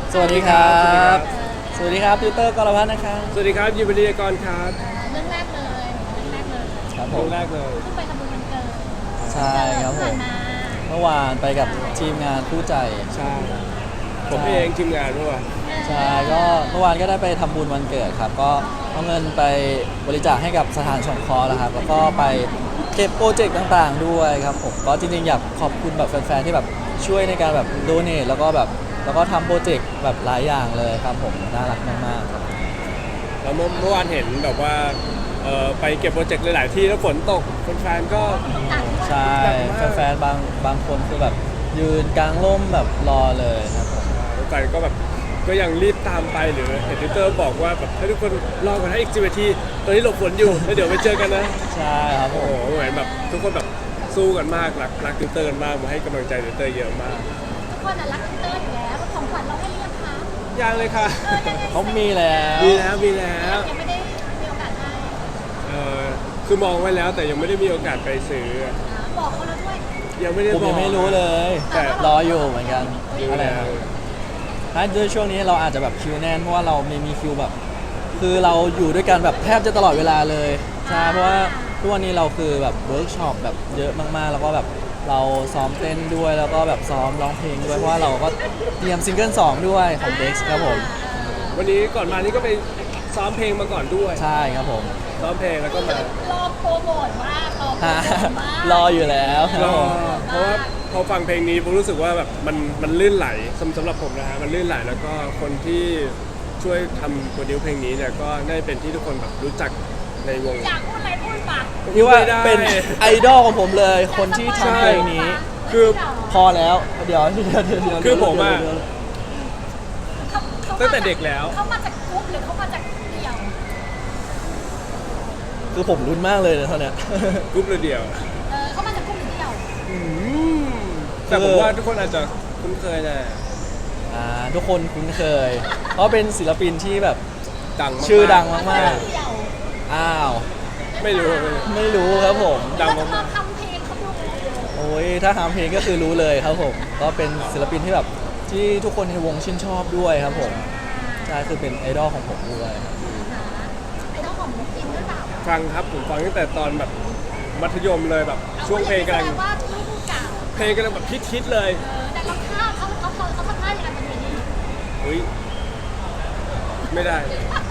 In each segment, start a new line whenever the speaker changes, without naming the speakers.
สวัสดีครับสวัสดีครับติวเตอร์กรพัฒน์นะครับ
สวัสดีครับยิมบดีกรครับ
เรื่องแรกเลย
ครับผ
เรื่อ
ม
งแรกเลย
เพิ่งไปทำบุญวันเกิด
ใช่ครับผม
ผ่านมา
เมื่อวานไปกับทีมงานคู่ใจ
ใช่ผมเองทีมงานด้วย
ใช่ก็เมื่อวานก็ได้ไปทำบุญวันเกิดครับ ก็เอาเงินไปบริจาคให้กับสถานสงเคราะห์แล้วครับ แล้วก็ไปเก็บโปรเจกต์ต่างๆด้วยครับผมก็จริงๆอยากขอบคุณแบบแฟนๆที่แบบช่วยในการแบบโดเนทแล้วก็ทำโปรเจกต์แบบหลายอย่างเลยครับผมน่ารักมากๆครับ
แล้วเมื่อวานเห็นแบบว่าไปเก็บโปรเจกต์หลายๆที่แล้วฝนตกแฟนๆก็
ใช่แฟนๆบางคนคือแบบยืนกลางร่มแบบรอเลยครับผม
แฟนก็แบบก็ยังรีบตามไปหรือเห็นทวิตเตอร์บอกว่าแบบให้ทุกคนรอกันให้อีก10 นาทีตอนนี้หลบฝนอยู่แล้วเดี๋ยวไปเจอกันนะ
ใช่ครับผ
โอ้โห
ม
เหมือนแบบทุกคนแบบสู้กันมากรักทวิตเตอร์กันมากมาให้กำลังใจทวิตเตอร์เยอะมาก
ทุกคนรักเตอร์อยู่แล้วของขวัญเราให้เรียกคะ
ยังเลยค่ะ
เขามีแล้ว
มีแล้ว
ยังไม่ได้มีโอกาสให้
คือมองไว้แล้วแต่ยังไม่ได้มีโอกาสไปซื้อ
บอกเขาแล้วด้วย
ยังไม่ได้
ผม
บอ
ยั
ก
งไม่รู้เลย
แต่
รออยู่เหมือนกัน
รู้
อะไร
แล้ว
ครับถ้าด้วยช่วงนี้เราอาจจะแบบคิวแน่นเพราะว่าเรามีคิวแบบ คือเราอยู่ด้วยกันแบบแทบจะตลอดเวลาเลยใช่เพราะว่าทุกวันนี้เราคือแบบเวิร์กช็อปแบบเยอะมากๆ แล้วก็แบบเราซ้อมเต้นด้วยแล้วก็แบบซ้อมร้องเพลงด้วยเพราะว่าเราก็เตรียมซิงเกิล2ด้วยของเด็กครับผม
วันนี้ก่อนมานี่ก็ไปซ้อมเพลงมาก่อนด้วย
ใช่ครับผม
ซ้อมเพลงแล้วก็มาร
อโปรโมทมากรอโปร
ฮะ
โมทมาก
รออยู่แล้วค
ร
รับ
อ
ผม
เพราะว่าพอฟังเพลงนี้ผมรู้สึกว่าแบบมันลื่นไหลสำหรับผมนะฮะมันลื่นไหลแล้วก็คนที่ช่วยทำโปรดิวเพลงนี้เนี่ยก็ได้เป็นที่ทุกคนแบบรู้จักในวง
อยากพูดอะไรพูดปาก
นี่ว่า
ไม่ได้
เป็นไอดอลของผมเลย คนที่ทำเพลงนี้
คือ
พอแล้วเดี๋ยว
คือผมอะ
เดี๋ยว
ตั้งแต่เด็กแล้ว
เขามาจากกรุ๊ปหรือเขามาจากเดี่ยว
คือผมรุนมากเลยนะเท่าเนี้ย
กรุ๊ปเดียว
เขามาจากกรุ๊ปหรือเดี่ยว
แต่ผมว่าทุกคนอาจจะคุ้นเคยแหละ
ทุกคนคุ้นเคย เพราะเป็นศิลปินที่แบบ
ดังมาก
ชื่อดังมาก
เดี่ยว
อ้าว
ไม่รู้
ไม่รู้ครับผม
ดัง
แล้ว
มาก
ทำเพลงเขาดู
โอ้ยถ้าทำเพลงก็คือรู้เลยครับผม ก็เป็นศิลปินที่แบบที่ทุกคนในวงชื่นชอบด้วยครับผมใช่คือเป็นไอดอลของผมด้วยครับ
ไอ้เจ้าของมุกกินหรือเปล่า
ฟังครับผมฟังตั้งแต่ตอนแบบมัธยมเลยแบบช่วงเพลงกำลัง
แสดว่าลูกเก่า
เพลงกำลังแบบฮิตๆเลย
แต่เราท่าเขาทำท่าอย่างไรเป็นนี้
อุ้ยไม่ได้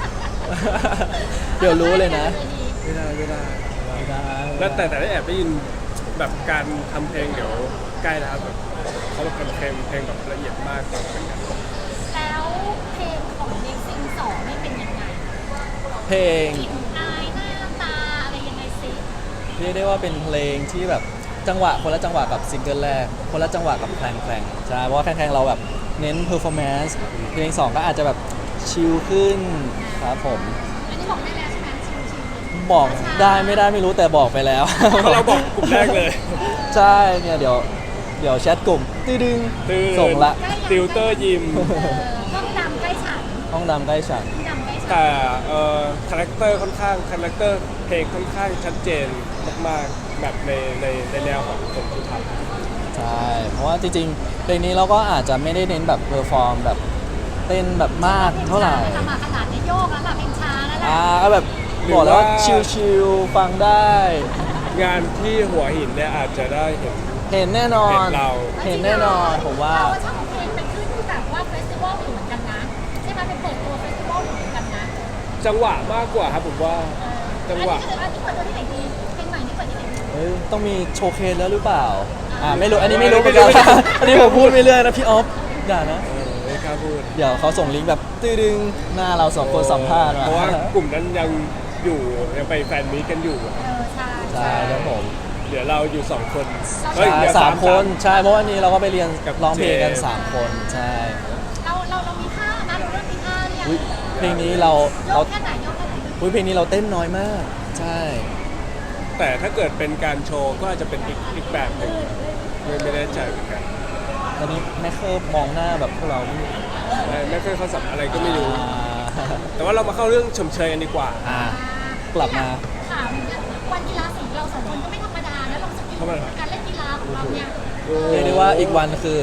เดี๋ยวรู้เลยนะ
ไม่ได้
ไม่ได้
แล้วแต่ได้แอบได้ยินแบบการทำเพลงเดี๋ยวใกล้แล้วครับแบบเขาแบบทำเพลงแบบละเอียดมากต่อกัน
แล้วเพลงของเด็กซิงสองไม่เป็นยังไง
เพลง
กลิ่นอายหน้าตาอะไรยังไงสิ
เรียกได้ว่าเป็นเพลงที่แบบจังหวะคนละจังหวะกับซิงเกิลแรกคนละจังหวะกับแคลงใช่เพราะว่าแคลงเราแบบเน้นเพอร์ฟอร์แมนซ์เพลง2ก็อาจจะแบบชิลขึ้นครับผม
อันนี้บอกได้แล้วใช่ไหมชิว
บอกได้ไม่ได้ไม่รู้แต่บอกไปแล้ว
เพราะเราบอกกลุ่มแรกเลย
ใช่เนี่ยเดี๋ยวแชทกลุ่มตื้อดึง
ตื่น
ส่งละ
ติวเตอร์ยิม
ห้องดำใกล้ฉัน
ห้องดำใกล้ฉัน
ห้องดำใกล้ฉัน
แต่คาแรคเตอร์ค่อนข้างคาแรคเตอร์เพลงค่อนข้างชัดเจนมากๆแบบในแนวของคนที่ทำ
ใช่เพราะว่าจริงๆเพลงนี้เราก็อาจจะไม่ได้เน้นแบบเพอร์ฟอร์มแบบเต้นแบบมากเท่าไหร่
ทำมาขนาดนี้โยกแล้วล่ะเพลงช้าแล้วแหละ
ก็แบบบอกแล้วว่าชิลๆฟังได้
งานที่หัวหินเนี่ยอาจจะได้เห็น
เห็นแน่นอน
เห็นเรา
เห็นแน่นอนผมว่า
เราชอบเพลงไปขึ้นแบบว่าเฟสติวัลอยู่เหมือนกันนะใช่ไหมเป็นเปิดตัวเฟสติวัลอยู่เหมือนกันนะ
จังหวะมากกว่าครับผมว่าจังหวะ
อันนี้เปิดตัวที่ไหนดีเพลงใหม่นี่เปิดที่ไหนดี
เฮ้ยต้องมีโชว์เคสแล้วหรือเปล่าไม่รู้อันนี้ไม่รู้เหมือนกัน อันนี้ผมพูดไม่เรื่อยนะพี่ออฟอย่านะ
ไม่กล้าพูด
เดี๋ยวเขาส่งลิงก์แบบตื้อดึงหน้าเราสองคนสัมภาษณ์มา
เพราะว่ากลุ่มนั้นยังอยู่ยังไปแฟนมีตกันอยู่
ใช่
ใช่ครับผม
เหลือเราอยู่2 คน
ใช่
เหลือ
สามคนใช่เพราะวันนี้เราก็ไปเรียน
กับ
ร้องเพลงกัน
เจมส์
3 คนใช่
เรามีท่านะเราเริ่มมีท่าเนี่ย
อุ๊ยเพลงนี้เรา
โยกแค่ไหนโยกแค่ไหน
เพลงนี้เราเต้นน้อยมาก ใช่
แต่ถ้าเกิดเป็นการโชว์ก็อาจจะเป็นอีกแบบหนึ่งไม่แน่ใจเหมือนกัน
ตอนนี้แม่เคิร์ฟมองหน้าแบบพวกเราไม่
ไม่เคยเขาสับอะไรก็ไม่รู้
อ่า
แต่ว่าเรามาเข้าเรื่องชมเชยกันดีกว่า
กลับมา
ถามเนี่ยวันกีฬาสีเรา2 คนก็ไม่ธรรมดานะเราสกิลการเล่นกีฬาของเราเนี่ย
เรียกได้ว่าอีกวันคือ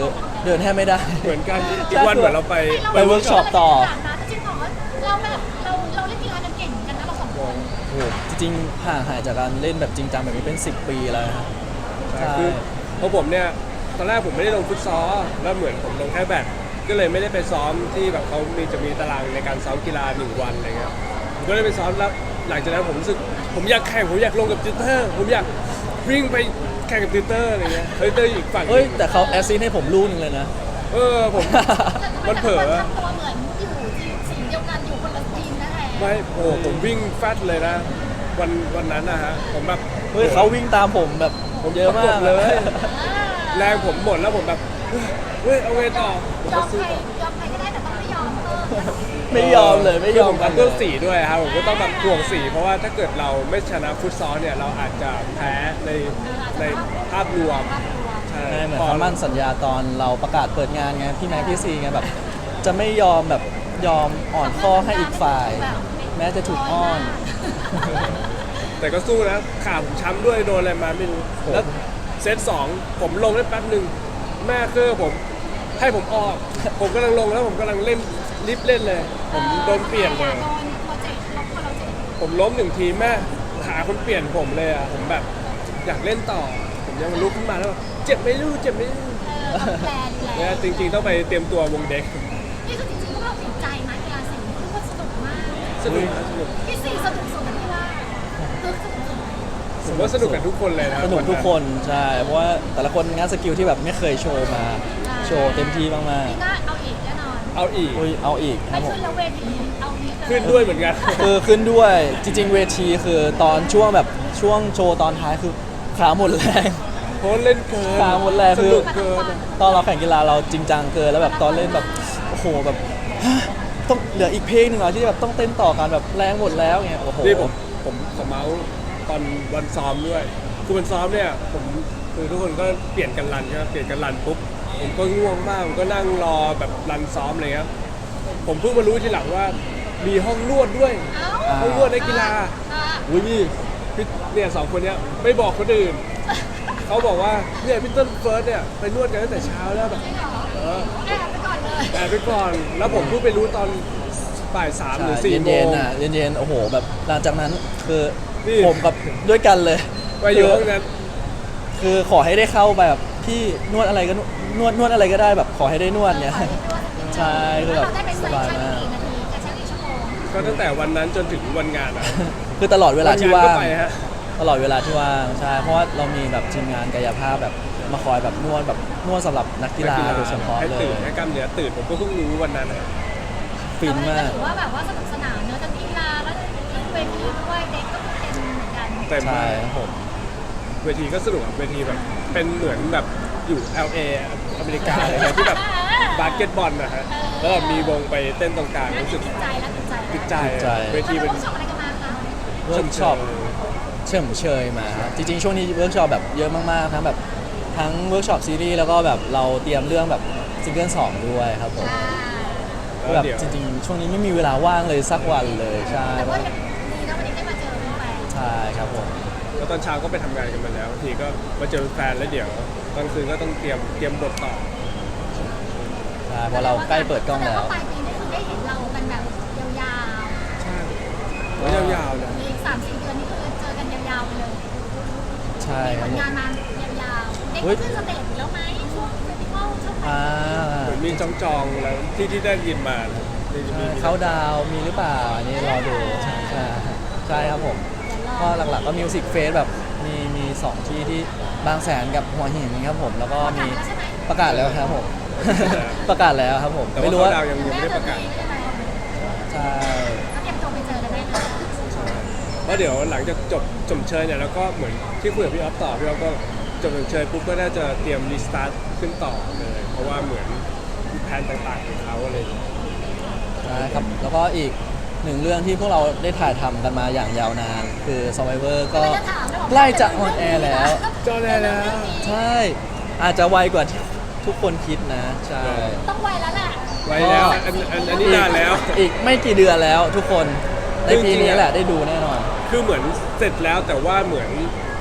เดินแทบไม่ได้
เหมือนกันอีกวันเหมือนเราไป
ไปเวิร์กช็อปต่อ
จริงเหรอเราแบบเราเล่นกีฬากันเก่งเหมือนกันนะเราสองคน
โอ้โหจริงๆห่างหายจากการเล่นแบบจริงจังแบบนี้เป็น 10 ปีแล้วนะครับใช่
คือเพราะผมเนี่ยตอนแรกผมไม่ได้ลงฟุตซอลแล้วเหมือนผมลงแค่แบดก็เลยไม่ได้ไปซ้อมที่แบบเขาจะมีตารางในการซ้อมกีฬา1 วันอะไรเงี้ยผมก็เลยไปซ้อมแล้วหลังจากนั้นผมรู้สึกผมอยากแข่งผมอยากลงกับติวเตอร์ผมอยากวิ่งไปแข่งกับติวเตอร์อะไรเงี้ยติวเตอร์อีกฝั่งหนึ่ง
เอ้ยแต่เขาแอสซิสต์ให้ผมลูกหนึงเลยนะ
ผมมันเผลอ
ทำตัวเหมือนอยู่ทีมสีเดียวกันอยู่คนละทีมนะแท้
ไม่โอ้ผมวิ่งแฟตเลยนะวันนั้นนะฮะผมแบบ
เฮ้ยเขาวิ่งตามผมแบบเยอะมาก
ประกบเลย แรงผมหมดแล้วผมแบบเฮ้ยเอาไงต่อผม
ยอ
ก็
ม
สู้
ใครยอมใครก็ได้แต่ต้องไม่ยอมเ
ไม่ยอมเลยไม่ยอม
คือผ
กัน
เรื่องสีด้วยครับผมก็ต้องแบบห่วงสีเพราะว่าถ้าเกิดเราไม่ชนะฟุตซอลเนี่ยเราอาจจะแพ้ในภาพรวมใช่
ใช่เหมือนคำมั่นสัญญาตอนเราประกาศเปิดงานไงพี่แม็กพี่ซีไงแบบ จะไม่ยอมแบบยอมอ่อนข้อให้อีกฝ่าย แม้จะถูกอ้อน
แต่ก็สู้นะขาผมช้ำด้วยโดนอะไรมาไม่รู้แล้วเซต2ผมลงได้แป๊บหนึ่งแม่เคอผมให้ผมออก ผมกำลังลงแล้วผมกำลังเล่นรีบเล่นเลย ผมโดนเปลี่ยนเลย
โดนโปรเจกต์ลบคนเราเจ็บ
ผมล้ม1 ทีแม่หาคนเปลี่ยนผมเลยอ่ะผมแบบอยากเล่นต่อ ผมยังลุกขึ้นมาแล้วแบบเจ็บไหม่รู้เจ็บไหม่รู้
ต้องแปลดี
เนี่ย
แล้ว
จริงๆต้องไปเตรียมตัววงเด็ก
นี่คือจริงๆพวกเราติดใจไหมกีฬาสีคือว่าสนุกมาก
สนุกนะสนุก
พี่สีสนุกสุดนะพี่ว่าคือสนุกสุด
ผมว่าสนุกกับทุกคนเลยนะ
สนุกทุกคนใช่เพราะว่าแต่ละคนงานสกิลที่แบบไม่เคยโชว์มาโชว์เต็มที่มาก
นี่ก็เอาอีกแน่นอน
เอาอีก
ๆอุ้ยเอาอีกค
ไม่
รับผม
ขึ้นแล้วเวทีเอาอีก
ขึ้นด้วยเหมือนกัน
คือขึ้นด้วยจริง ๆ เวทีคือตอนช่วงแบบช่วงโชว์ตอนท้ายคือขาหมดแรง
เพราะเล่นเกิน
ขาหมดแรง
ส
คือ
นุกเกิน
ตอนเราแข่งกีฬาเราจริงจังเกินแล้วแบบตอนเล่นแบบโอ้โหแบบฮะต้องเหลืออีกเพลงหนึ่งเหรอที่แบบต้องเต้นต่อกันแบบแรงหมดแล้วเงี้ยโอ้โห
นี่ผมขอเมาส์ตอนวันซ้อมด้วยคือวันซ้อมเนี่ยผมคือทุกคนก็เปลี่ยนกันรันใช่ไหมเปลี่ยนกันรันปุ๊บผมก็ง่วงมากผมก็นั่งรอแบบรันซ้อมเลยครับผมเพิ่งมารู้ทีหลังว่ามีห้องนวดด้วย
เอ้า
ห้องนวดในกีฬา
อุ้ยนี่
พี่เนี่ย2 คนเนี้ยไม่บอกคนอื่น เขาบอกว่าเนี่ยพี่ต้นเฟิร์สเนี่ยไปนวดกันตั้งแต่เช้าแล้วแบบเออ
แอบไปก่อนเลย
แอบไปก่อน แล้วผมเพิ่งไปรู้ตอนบ่าย3หรือ4 โม
เย็น
ง
ๆอ่ะเย็นๆโอ้โหแบบหลังจากนั้นคือ
นี่
ผมกับด้วยกันเลย
ไปอยู่ห้องนั้น
คือขอให้ได้เข้าไปแบบพี่นวดอะไรก็นวดอะไรก็ได้แบบขอให้ได้นวดเนี่ย ใช่คือแบบ
เราได้ไป
ส
เซ็น
บาย
ชั่น
มาก
กี่นาทีกระชับอีกชั่วโมง
ก็ตั้งแต่วันนั้นจนถึงวันงานอะ
คือตลอดเวลาที่ว่าง
นก็ไปฮะ
ตลอดเวลาที่ว่างใช่เพราะว่าเรามีแบบทีมงานกายภาพแบบมาคอยแบบนวดสำหรับนักกีฬาโดยเฉพาะ
ให้
เล
ตื่
ย
นให้กล้ามเนื้อตื่นผมก็เพิ่งรู้วันนั้นอะ
ฟินมาก
ถือว่าแบบว่าสนุกสนานเนอะทั้งกีฬาแล้วทั้งเวทีด้วยเด็กก็เต็มเหมือนกัน
เต็ม
ใช่
มาก
ครับผม
เวทีก็สนุกอะเวทีแบบเป็นเหมือนแบบอยู่ LA อเมริกาเลยนะที่แบบบาสเกตบอลนะฮะแล้วแบบมีวงไปเต้นตรงกลางรู้สึก
ติดใจแล้วติดใจ
ติดใจเวที
เป็
เป็น น
ช็อปอะไรกันมาคะ
เวิร์กช็อปเฉิมเชยมาครับจริงๆช่วงนี้เวิร์กช็อปแบบเยอะมากๆทั้งแบบทั้งเวิร์กช็อปซีรีส์แล้วก็แบบเราเตรียมเรื่องแบบซิงเกิล2ด้วยครับผม
แล้ว
แบบ
เดี๋ยว
จริงๆ ช่วงนี้ไม่มีเวลาว่างเลยสักวันเลยใช่
แต่ว่ายังดีนะวันนี้ได้มาเจอแฟน
ใช่ครับผม
แล้วตอนเช้าก็ไปทำงานกันมาแล้วบางทีก็มาเจอแฟนแล้วเดี๋ยวตอนคืนก็ต้องเตรียมบทต่อ
ใช่เพราะเราใกล้เปิดกล้องแล้ว
ปลายปีนี้คือได้เห็นเรากันแบบยาว
ใช่แล้วยาวๆเลย
ๆมีอีก3-4 เดือนนี่คือเจอกันยาวๆไปเลย
ใช่
มี
ค
ผ
รับ
ล
ผม
งานมายาวๆเด็ก
เฮ้ย
ขึ้นสเตจอยู่แล้วไหมช่วงเฟสติวัลช่วง
อ่า
เหมือนมีจองๆแล้วที่ได้ยินมานะที่
ใช่
มี
เขาดาวน์มีหรือเปล่าอันนี้รอดูใช่ใช่ครับผมก็หลักๆก็มิวสิกเฟสแบบมี2ที่ที่บางแสนกับหัวหินครับผมแล้วก็มีประกาศแล้วครับผม ประกาศแล้วครับผม
แต่
ไม่
ว่า
รู้
เขา
ว่า
ดาวยังไม่ได้ประกาศ
ใช่
ก็เตรียมตัวไปเจอกันได้นะ
เพราะเดี๋ยวหลังจากจบจมเชยเนี่ยแล้วก็เหมือนที่คุยกับพี่ออฟต่อพี่ออฟก็จบจมเชยปุ๊บก็น่าจะเตรียมรีสตาร์ทขึ้นต่อเลยเพราะว่าเหมือนแผนต่างๆของเขาอะไรอย่างเงี้ย
ใช่ครับแล้วก็อีกหนึ่งเรื่องที่พวกเราได้ถ่ายทำกันมาอย่างยาวนาน คือ Survivor ก็ใกล้จะออนแอร์แล้ว
จอได้แล้ว
ใช่ อาจจะไวกว่าที่ทุกคนคิดนะ ใช่
ต้องไวแล้วแหละ
ไว้แล้วอันนี้นานแล้ว
อีกไม่กี่เดือนแล้วทุกคนในปีนี้แหละได้ดูแน่นอน
คือเหมือนเสร็จแล้วแต่ว่าเหมือนเขา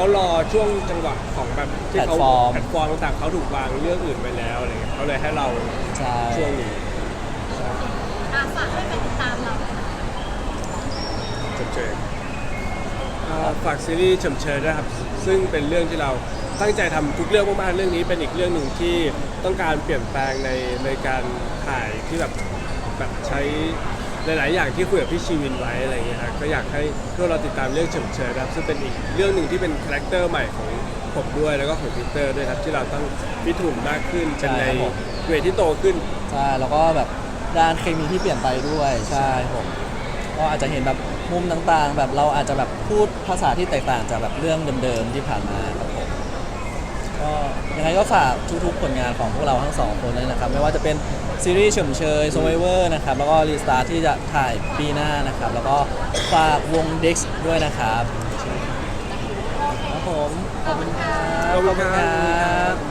เขารอช่วงจังหวะของแบบที่เขา
แพลตฟอร์ม
แพลตฟอร์มต่างๆเขาถูกวางเรื่องอื่นไปแล้วอะไรเงี้ยเขาเลยให้เรา
ใช่
ช่วงนี้ใช่
ฝากให้ไปติดตามเราหน่อยนะ
เฉยฝากซีรีส์เฉมเชยนะครับซึ่งเป็นเรื่องที่เราตั้งใจทำทุกเรื่องมากๆเรื่องนี้เป็นอีกเรื่องหนึ่งที่ต้องการเปลี่ยนแปลงในการถ่ายที่แบบใช้หลายๆอย่างที่คุยกับพี่ชีวินไว้อะไรเงี้ยครับก็อยากให้พวกเราติดตามเรื่องเฉมเชยนะครับซึ่งเป็นอีกเรื่องหนึ่งที่เป็นคาแรคเตอร์ใหม่ของผมด้วยแล้วก็ของพีเตอร์ด้วยครับที่เราต้องพิถุนมากขึ้นเป็นในเวทที่โตขึ้น
ใช่แล้วก็แบบด้านเคมีที่เปลี่ยนไปด้วยใช่ผมก็อาจจะเห็นแบบมุมต่างๆ แบบเราอาจจะแบบพูดภาษาที่แตกต่างจากแบบเรื่องเดิมๆที่ผ่านมาครับผมก็ยังไงก็ฝากทุกๆผลงานของพวกเราทั้งสองคนเลยนะครับไม่ว่าจะเป็นซีรีส์เฉมเชย Survivor นะครับแล้วก็รีสตาร์ที่จะถ่ายปีหน้านะครับแล้วก็ฝากวง Dex ด้วยนะครับครับผมขอบคุณครับ
ขอบคุณครับ
บ